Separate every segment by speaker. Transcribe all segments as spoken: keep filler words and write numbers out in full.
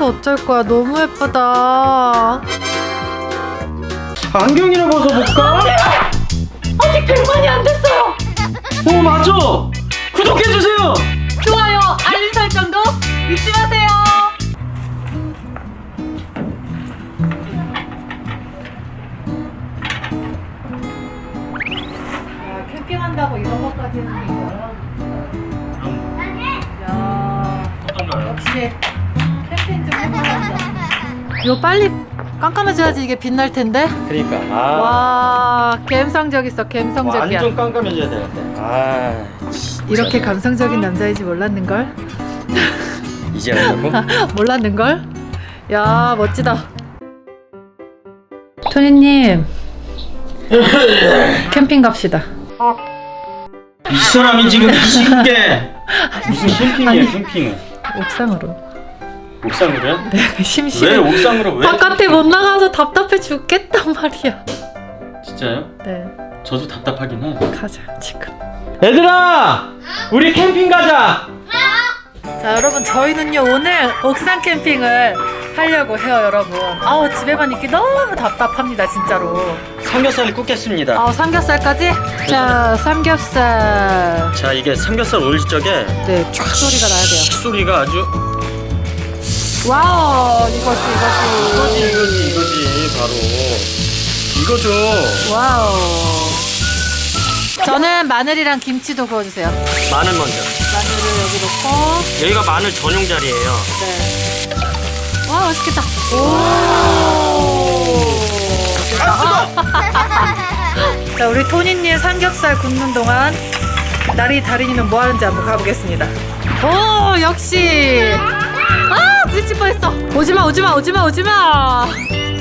Speaker 1: 어쩔 거야. 너무 예쁘다.
Speaker 2: 안경이나 벗어볼까?
Speaker 1: 아직 백만이 안 됐어요.
Speaker 2: 오 맞아. 구독해주세요.
Speaker 1: 좋아요, 알림 설정도 잊지 마세요. 야, 캠핑한다고 이런 것까지는 이거야. 야,
Speaker 2: 어떤가요?
Speaker 1: 역시 캠핑 좀 해봐야겠다. 이거 빨리 깜깜해져야지 이게 빛날 텐데.
Speaker 2: 그러니까 아
Speaker 1: 와, 감성적 있어, 감성적이야.
Speaker 2: 완전 깜깜해져야 되는데. 아
Speaker 1: 이렇게 감성적인 남자인지 몰랐는걸?
Speaker 2: 이제 알고?
Speaker 1: 몰랐는걸? 야, 멋지다. 토니님, 캠핑 갑시다.
Speaker 2: 이 사람이 지금 이 시국에 무슨 캠핑이야?
Speaker 1: 아니.
Speaker 2: 캠핑은
Speaker 1: 옥상으로.
Speaker 2: 옥상으로요?
Speaker 1: 네,
Speaker 2: 왜
Speaker 1: 심심해.
Speaker 2: 옥상으로 왜?
Speaker 1: 바깥에 못 나가서 답답해 죽겠단 말이야.
Speaker 2: 진짜요?
Speaker 1: 네,
Speaker 2: 저도 답답하긴 해.
Speaker 1: 가자 지금.
Speaker 2: 얘들아, 우리 캠핑 가자.
Speaker 1: 자, 여러분, 저희는요 오늘 옥상 캠핑을 하려고 해요, 여러분. 아우, 집에만 있기 너무 답답합니다, 진짜로.
Speaker 2: 삼겹살을 굽겠습니다.
Speaker 1: 아우, 삼겹살까지? 자, 삼겹살.
Speaker 2: 자, 이게 삼겹살 올릴 적에
Speaker 1: 네, 쫙 소리가 나야 돼요.
Speaker 2: 소리가 아주
Speaker 1: 와우, 이거지,
Speaker 2: 이거지
Speaker 1: 이거지.
Speaker 2: 이거지 이거지 바로 이거죠.
Speaker 1: 와우. 저는 마늘이랑 김치도 구워주세요.
Speaker 2: 마늘 먼저.
Speaker 1: 마늘을 여기 넣고.
Speaker 2: 여기가 마늘 전용 자리예요.
Speaker 1: 네. 와, 맛있겠다. 오. 자, 우리 토니님 삼겹살 굽는 동안 나리 다리니는 뭐 하는지 한번 가보겠습니다. 오, 역시. 아, 부딪힐 뻔했어. 오지마, 오지마, 오지마, 오지마.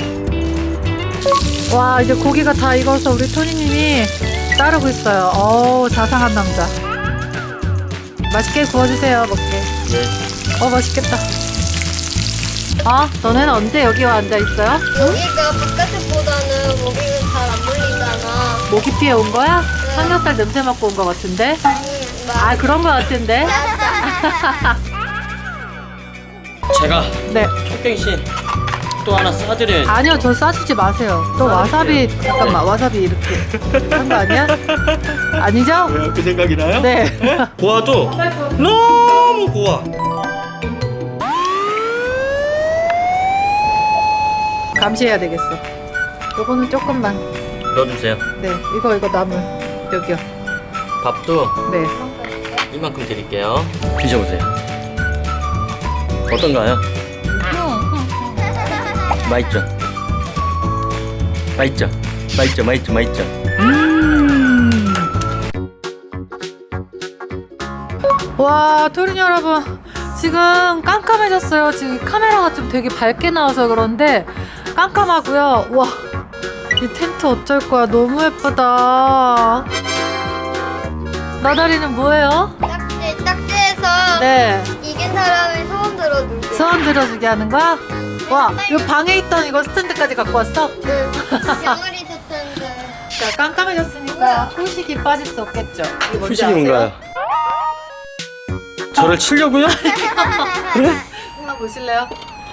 Speaker 1: 와, 이제 고기가 다 익어서 우리 토니님이 따르고 있어요. 어우, 자상한 남자. 맛있게 구워주세요, 먹게.
Speaker 2: 네.
Speaker 1: 어, 맛있겠다. 아, 너네는 언제 여기 와 앉아있어요?
Speaker 3: 여기가 바깥보다는 모기는 잘 안 물리잖아.
Speaker 1: 모기 피해 온 거야? 삼겹살 냄새 맡고 온 거 같은데? 아, 그런 거 같은데?
Speaker 2: 제가
Speaker 1: 네.
Speaker 2: 촉갱신 또 하나 싸드려야지.
Speaker 1: 아니요, 저 싸주지 마세요. 또 와사비, 잠깐만, 와사비 이렇게 한 거 아니야? 아니죠?
Speaker 2: 왜요? 그 생각이 나요?
Speaker 1: 네.
Speaker 2: 고와도 너무 고와.
Speaker 1: 감시해야 되겠어. 요거는 조금만.
Speaker 2: 넣어주세요.
Speaker 1: 네, 이거, 이거 나물. 여기요.
Speaker 2: 밥도
Speaker 1: 네.
Speaker 2: 이만큼 드릴게요. 드셔보세요. 어떤가요? 맛있죠? 맛있죠? 맛있죠? 맛있죠? 맛있죠?
Speaker 1: 음. 와, 토린 여러분, 지금 깜깜해졌어요. 지금 카메라가 좀 되게 밝게 나와서 그런데 깜깜하고요. 와, 이 텐트 어쩔 거야. 너무 예쁘다. 나다리는 뭐예요?
Speaker 3: 딱지, 딱지에서
Speaker 1: 네,
Speaker 3: 이긴 사람이 소원 들어주게.
Speaker 1: 소원 들어주게 하는 거야? 와, 이 방에 있던 이거 스탠드까지 갖고 왔어?
Speaker 3: 응. 병아리 스탠드.
Speaker 1: 자, 깜깜해졌으니까 후식이 빠질 수 없겠죠. 이게 뭔지
Speaker 2: 후식이
Speaker 1: 아세요?
Speaker 2: 뭔가요? 저를 치려고요?
Speaker 1: 한번 보실래요?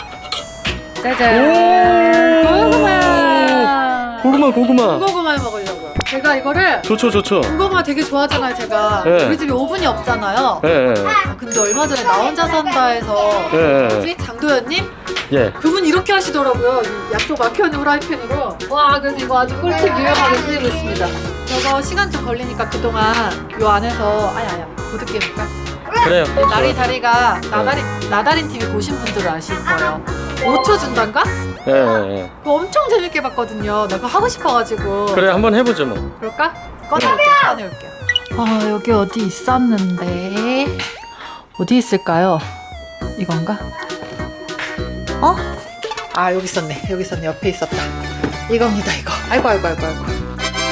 Speaker 1: 짜잔! 고구마!
Speaker 2: 고구마 고구마.
Speaker 1: 군고구마 먹으려고요. 제가 이거를
Speaker 2: 좋죠 좋죠.
Speaker 1: 군고구마 되게 좋아하잖아요, 제가.
Speaker 2: 네.
Speaker 1: 우리 집에 오븐이 없잖아요.
Speaker 2: 예, 예,
Speaker 1: 아, 근데 얼마 전에 나 혼자 산다에서
Speaker 2: 예, 예.
Speaker 1: 뭐지? 장도연님?
Speaker 2: 예.
Speaker 1: 그분 이렇게 하시더라고요. 이 양쪽 막혀있는 후라이팬으로. 와, 그래서 이거 아주 꿀팁 유용하게 쓰이고 있습니다. 저거 시간 좀 걸리니까 그동안 요 안에서 아야 아야 보드게임 할까?
Speaker 2: 그래요.
Speaker 1: 나리 다리가 나다리 나다린 티비 보신 분들은 아실 거예요. 오 초 준단가?
Speaker 2: 예, 예, 예.
Speaker 1: 그거 엄청 재밌게 봤거든요. 나 그거 하고 싶어가지고.
Speaker 2: 그래 한번 해보죠 뭐.
Speaker 1: 그럴까? 꺼내올게요. 꺼내올게요. 아, 여기 어디 있었는데 어디 있을까요? 이건가? 어? 아, 여기 있었네. 여기 있었네. 옆에 있었다. 이겁니다, 이거. 아이고, 아이고, 아이고, 아이고.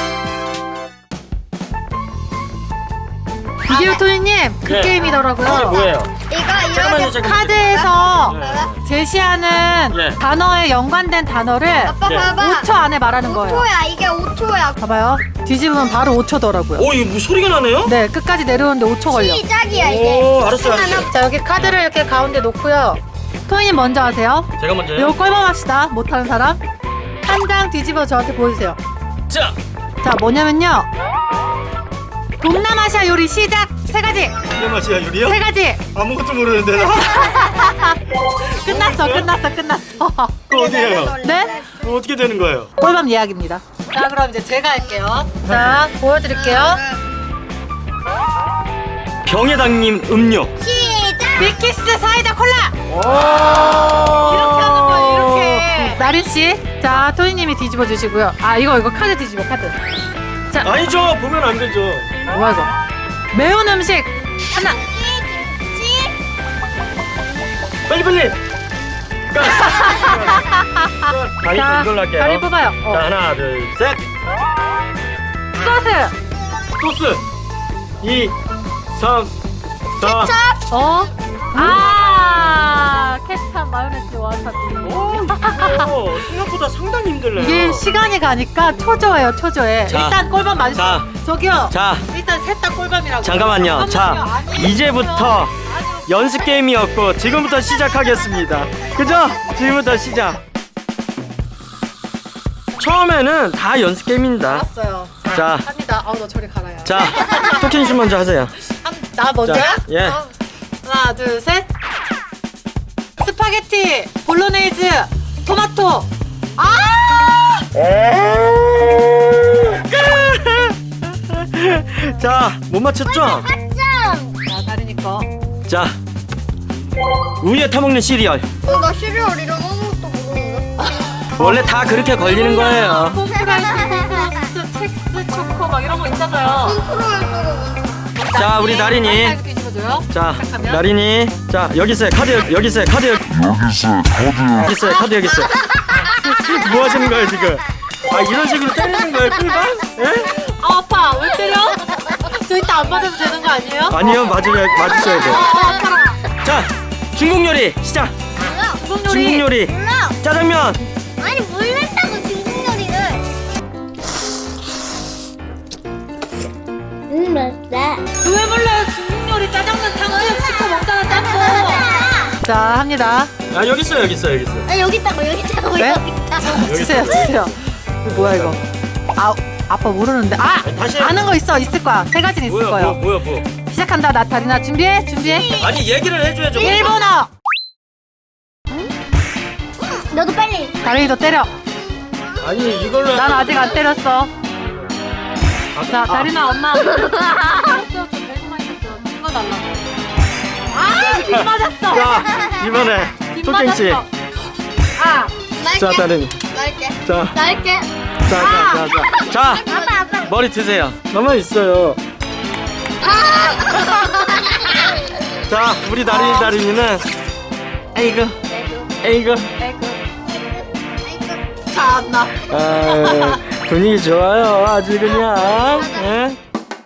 Speaker 1: 이게요, 토니님. 그
Speaker 2: 네.
Speaker 1: 게임이더라고요.
Speaker 2: 이게 뭐예요?
Speaker 3: 이거
Speaker 2: 잠깐만요,
Speaker 3: 이렇게
Speaker 2: 잠깐만요.
Speaker 1: 카드에서
Speaker 2: 예.
Speaker 1: 제시하는
Speaker 2: 예.
Speaker 1: 단어에 연관된 단어를
Speaker 3: 아빠
Speaker 2: 예.
Speaker 3: 봐봐.
Speaker 1: 오 초 안에 말하는 거예요.
Speaker 3: 오 초야. 이게 오 초야.
Speaker 1: 봐봐요. 뒤집으면 바로 오 초더라고요.
Speaker 2: 오 이거 뭐 소리가 나네요?
Speaker 1: 네, 끝까지 내려오는데 오 초 걸려.
Speaker 3: 시작이야 이게.
Speaker 2: 오 알았어요 알았어요.
Speaker 1: 자, 여기 카드를 이렇게 가운데 놓고요. 토이님 먼저 하세요.
Speaker 2: 제가 먼저요?
Speaker 1: 이거 꼴밤 합시다. 못하는 사람 한 장 뒤집어 저한테 보여주세요.
Speaker 2: 자!
Speaker 1: 자, 뭐냐면요, 동남아시아 요리 시작. 세 가지.
Speaker 2: 동남아시아 요리요?
Speaker 1: 세 가지.
Speaker 2: 아무것도 모르는데 나.
Speaker 1: 끝났어, 끝났어, 끝났어.
Speaker 2: 그거 어떻게 해요?
Speaker 1: 네?
Speaker 2: 그거 어떻게 되는 거예요?
Speaker 1: 꼴밤 예약입니다. 자, 그럼 이제 제가 할게요. 자, 보여드릴게요.
Speaker 2: 병해당님 음료.
Speaker 3: 시작.
Speaker 1: 밀키스 사이다 콜라.
Speaker 2: 오!
Speaker 1: 이렇게 하는 거예요, 이렇게. 나린 씨, 자, 토니님이 뒤집어 주시고요. 아, 이거 이거 카드 뒤집어, 카드. 자,
Speaker 2: 아니죠. 보면 안 되죠.
Speaker 1: 뭐야 이거? 매운 음식 하나.
Speaker 3: 김치.
Speaker 2: 빨리 빨리. 다리
Speaker 1: 자,
Speaker 2: 이걸로 할게요.
Speaker 1: 다리 뽑아요. 어.
Speaker 2: 자, 하나, 둘, 셋.
Speaker 1: 소스.
Speaker 2: 소스. 이, 삼, 사.
Speaker 1: 어? 아, 케찹, 마요네즈, 와사비.
Speaker 2: 오, 이거 생각보다 상당히 힘들네요.
Speaker 1: 이게 시간이 가니까 초조해요, 초조해.
Speaker 2: 자,
Speaker 1: 일단 꼴밤 맞으
Speaker 2: 자,
Speaker 1: 저기요.
Speaker 2: 자,
Speaker 1: 일단 셋 다 꼴밤이라고.
Speaker 2: 잠깐만요. 자,
Speaker 1: 아니에요.
Speaker 2: 이제부터
Speaker 1: 아니요.
Speaker 2: 연습 게임이었고 지금부터 시작하겠습니다. 그죠? 지금부터 시작. 처음에는 다 연습 게임입니다.
Speaker 1: 알았어요.
Speaker 2: 자,
Speaker 1: 합니다. 아우, 너 저리 가라요.
Speaker 2: 자, 토끼님 씨 먼저 하세요.
Speaker 1: 한, 나 먼저야?
Speaker 2: 자, 예.
Speaker 1: 어. 하나, 둘, 셋. 스파게티, 볼로네이즈, 토마토. 아!
Speaker 2: 자, 못 맞췄죠?
Speaker 3: 점.
Speaker 1: 자, 다리니 거.
Speaker 2: 자, 우유에 타먹는 시리얼.
Speaker 3: 어, 나 시리얼 이런 아무것도 모르는데.
Speaker 2: 원래 다 그렇게 걸리는 거예요.
Speaker 1: 콤프라이스, 콤프라이스, 첵스, 초코 막 이런 거 있잖아요.
Speaker 3: 콘트롤
Speaker 2: 자, 우리 나린이.
Speaker 1: 이거 뒤집어줘요.
Speaker 2: 자,
Speaker 1: 시작하면.
Speaker 2: 나린이. 자, 여기 있어요. 카드 여기, 여기 있어요. 카드 여기. 여기 있어요. 카드 여기 있어요. 뭐 하시는 거예요, 지금? 아, 이런 식으로 때리는 거예요, 꿀밤? 예?
Speaker 1: 아, 아파. 왜 때려? 저 이따 안 맞아도 되는 거 아니에요?
Speaker 2: 아니요, 맞으셔야, 맞으셔야 돼요.
Speaker 1: 아, 아파라.
Speaker 2: 자, 중국 요리 시작.
Speaker 1: 중국 요리.
Speaker 2: 중국 요리.
Speaker 3: 몰라.
Speaker 2: 짜장면.
Speaker 3: 아니 몰랐다고 중국 요리를. 음 맛있다.
Speaker 1: 왜 몰라요? 중국 요리 짜장면 탕수육 시켜 먹잖아, 짬뽕. 자, 합니다.
Speaker 2: 아, 여기 있어요, 여기 있어요, 여기 있어요.
Speaker 3: 아 여기 있다고 여기 있다고
Speaker 1: 네?
Speaker 3: 여기 있다고.
Speaker 1: 주세요, 주세요. 이거 뭐야 이거? 아, 아빠 모르는데. 아,
Speaker 2: 아니, 다시 해.
Speaker 1: 아는 거 있어, 있을 거야. 세 가지는 있을
Speaker 2: 뭐야,
Speaker 1: 거예요.
Speaker 2: 뭐, 뭐야, 뭐.
Speaker 1: 시작한다. 나 다리나 준비해, 준비해.
Speaker 2: 아니, 얘기를 해줘야죠.
Speaker 1: 일본어.
Speaker 3: 너도 빨리.
Speaker 1: 다리도 때려.
Speaker 2: 아니, 이걸로.
Speaker 1: 난 아직 안 때렸어.
Speaker 2: 아,
Speaker 1: 자,
Speaker 2: 아.
Speaker 1: 다리나 엄마. 때렸어. 저 배고 많이 쳤어. 이거 달라고. 아, 빗 맞았어.
Speaker 2: 자, 이번에
Speaker 1: 빗
Speaker 2: 토끼 씨.
Speaker 1: 맞았어. 아,
Speaker 2: 자, 다른.
Speaker 3: 날게.
Speaker 2: 자,
Speaker 3: 날게.
Speaker 2: 자, 자, 자, 자. 자,
Speaker 3: 아빠 아빠.
Speaker 2: 머리 드세요. 가만 있어요. 자, 우리 다린이 다린이는. 에이그, 에이그.
Speaker 1: 참나.
Speaker 2: 아, 분위기 좋아요. 아주 그냥. 예?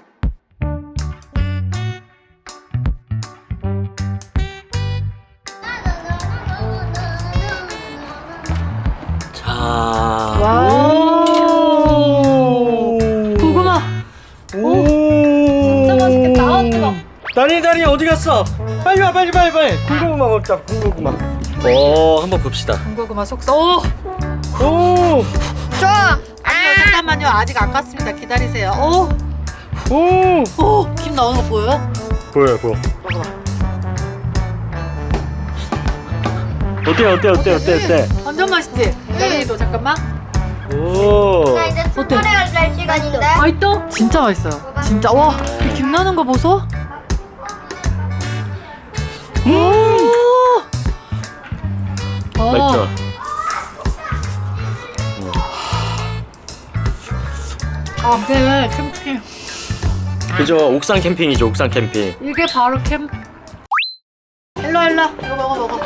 Speaker 2: 자.
Speaker 1: 와우. 고구마.
Speaker 2: 오.
Speaker 1: 진짜 맛있겠다. 아, 뜨거.
Speaker 2: 다린이 다린이 어디 갔어? 빨리 와, 빨리 빨리 빨리. 군고구마 먹자. 군고구마. 오, 한번 봅시다.
Speaker 1: 군고구마 속서. 오.
Speaker 2: 오.
Speaker 1: 좋아. 아니요, 잠깐만요. 아직 안 갔습니다. 기다리세요. 오.
Speaker 2: 오.
Speaker 1: 오. 김 나오는 거 보여요?
Speaker 2: 보여 보여.
Speaker 1: 먹어봐.
Speaker 2: 어때 어때 어때 어때 어때?
Speaker 1: 완전 맛있지? 다리도 잠깐만.
Speaker 2: 오.
Speaker 3: 나 이제 투토리얼 할 시간인데.
Speaker 1: 맛있어? 진짜 맛있어요. 진짜. 와, 이김 나는 거 보소. 오. 어.
Speaker 2: 맛있죠?
Speaker 1: 아, 네, 캠핑.
Speaker 2: 그죠? 옥상 캠핑이죠. 옥상 캠핑.
Speaker 1: 이게 바로 캠. 일로 일로. 이거 먹어 먹어.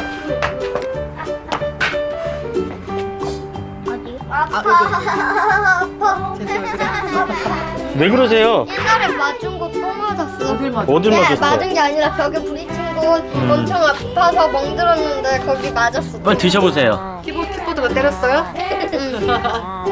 Speaker 3: 아파.
Speaker 1: 아, 여기,
Speaker 3: 아파.
Speaker 1: 쟤왜 그래?
Speaker 2: 왜 그러세요?
Speaker 3: 옛날에 맞은 거 또 맞았어.
Speaker 1: 어딜 맞아?
Speaker 2: 어딜
Speaker 3: 네,
Speaker 2: 맞았어?
Speaker 3: 맞은 게 아니라 벽에 부딪힌 곳 엄청 아파서 멍들었는데 거기 맞았어.
Speaker 2: 빨리 드셔보세요.
Speaker 1: 키보드 키보드가 때렸어요?
Speaker 3: 응.